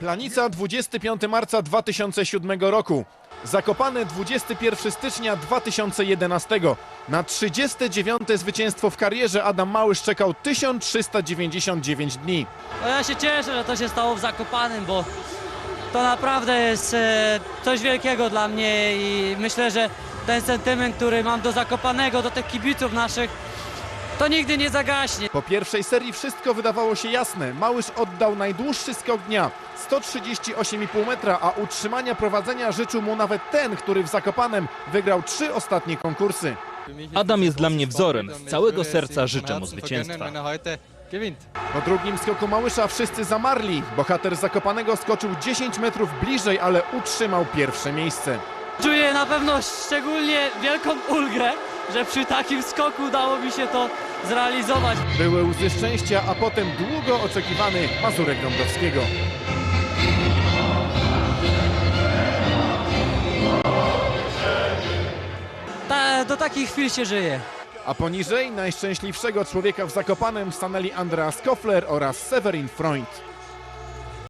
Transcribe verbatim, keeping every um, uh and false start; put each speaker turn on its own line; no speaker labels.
Planica dwudziestego piątego marca dwa tysiące siódmego roku. Zakopane dwudziestego pierwszego stycznia dwa tysiące jedenastego. Na trzydzieste dziewiąte zwycięstwo w karierze Adam Małysz czekał tysiąc trzysta dziewięćdziesiąt dziewięć dni.
No ja się cieszę, że to się stało w Zakopanem, bo to naprawdę jest e, coś wielkiego dla mnie i myślę, że ten sentyment, który mam do Zakopanego, do tych kibiców naszych, to nigdy nie zagaśnie.
Po pierwszej serii wszystko wydawało się jasne. Małysz oddał najdłuższy skok dnia, sto trzydzieści osiem i pół metra, a utrzymania prowadzenia życzył mu nawet ten, który w Zakopanem wygrał trzy ostatnie konkursy.
Adam jest dla mnie wzorem. Z całego serca życzę mu zwycięstwa.
Po drugim skoku Małysza wszyscy zamarli. Bohater Zakopanego skoczył dziesięć metrów bliżej, ale utrzymał pierwsze miejsce.
Czuję na pewno szczególnie wielką ulgę, że przy takim skoku udało mi się to zrealizować.
Były łzy szczęścia, a potem długo oczekiwany Mazurek Dąbrowskiego.
Ta, do takich chwil się żyje.
A poniżej najszczęśliwszego człowieka w Zakopanem stanęli Andreas Koffler oraz Severin Freund.